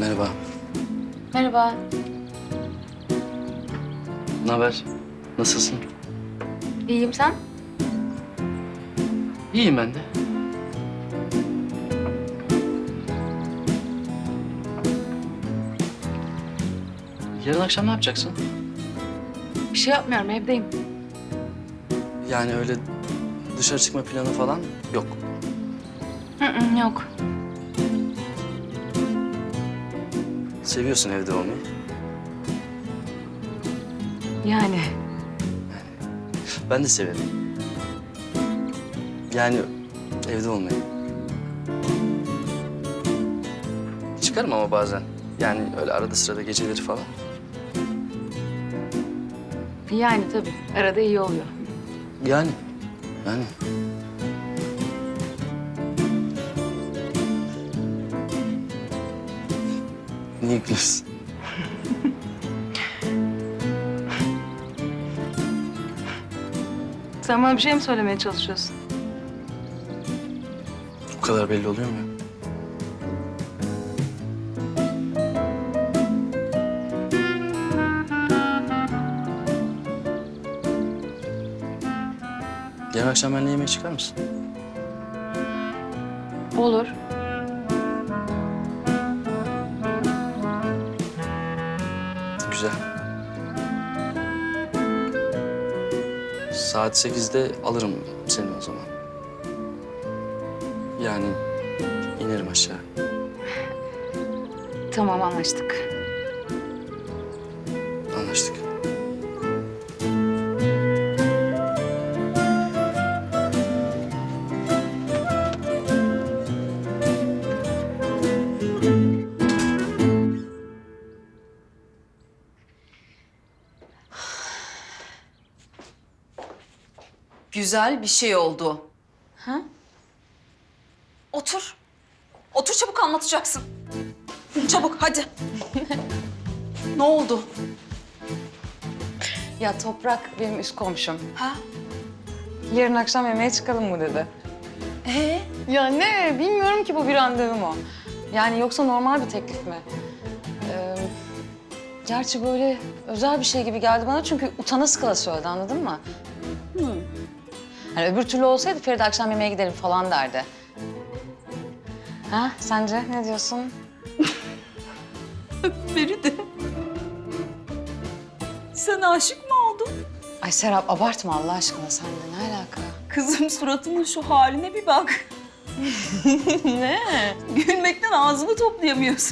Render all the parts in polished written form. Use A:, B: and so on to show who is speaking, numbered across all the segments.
A: Merhaba.
B: Merhaba.
A: Ne haber? Nasılsın?
B: İyiyim, sen?
A: İyiyim ben de. Yarın akşam ne yapacaksın?
B: Bir şey yapmıyorum, evdeyim.
A: Yani öyle dışarı çıkma planı falan yok.
B: Yok.
A: Seviyorsun evde olmayı.
B: Yani
A: Ben de severim. Yani evde olmayı. Çıkarım ama bazen. Yani öyle arada sırada geceleri falan.
B: yani tabii. Arada iyi oluyor.
A: Yani. Niye gülüyorsun?
B: Sen bana bir şey mi söylemeye çalışıyorsun?
A: Bu kadar belli oluyor mu ya? Yarın akşam benimle yemeğe çıkar mısın?
B: Olur.
A: Güzel. Saat 8'de alırım seni o zaman. Yani inerim aşağı.
B: Tamam, anlaştık.
A: Anlaştık.
C: Güzel bir şey oldu.
B: Ha?
C: Otur. Otur, çabuk anlatacaksın. Çabuk hadi. Ne oldu?
B: Ya Toprak benim üst komşum.
C: Ha?
B: Yarın akşam yemeğe çıkalım mı dedi.
C: Ee?
B: Ya ne? Bilmiyorum ki bu bir randevu mu? Yani yoksa normal bir teklif mi? Gerçi böyle özel bir şey gibi geldi bana çünkü utana sıkıla söyledi, anladın mı? Yani öbür türlü olsaydı Feride akşam yemeğe gidelim falan derdi. Ha, sence ne diyorsun?
C: Feride. Sen aşık mı oldun?
B: Ay Serap abartma Allah aşkına, sen de ne alaka?
C: Kızım, suratının şu haline bir bak.
B: Ne?
C: Gülmekten ağzını toplayamıyorsun.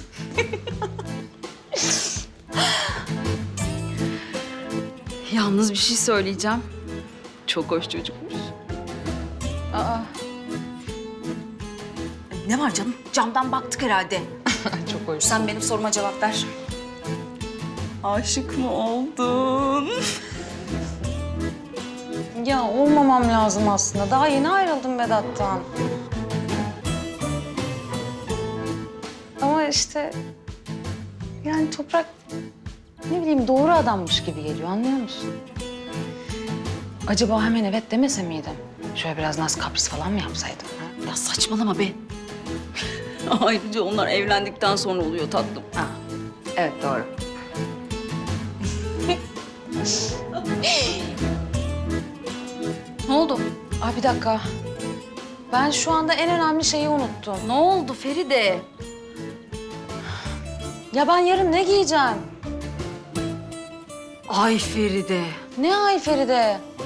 C: Yalnız bir şey söyleyeceğim. Çok hoş çocukmuş.
B: Aa,
C: Ne var canım? Camdan baktık herhalde.
B: çok hoş.
C: Sen benim soruma cevap ver. Aşık mı oldun?
B: Ya olmamam lazım aslında. Daha yeni ayrıldım Vedat'tan. Ama işte yani Toprak ne bileyim doğru adammış gibi geliyor, anlıyor musun? Acaba hemen evet demese miydim? Şöyle biraz naz kapris falan mı yapsaydım? Ha?
C: Ya saçmalama be. Ayrıca onlar evlendikten sonra oluyor tatlım.
B: Ha, evet doğru.
C: Ne oldu?
B: Ay bir dakika. Ben şu anda en önemli şeyi unuttum.
C: Ne oldu Feride?
B: Ya ben yarın ne giyeceğim?
C: Ay Feride.
B: Ne ay Feride?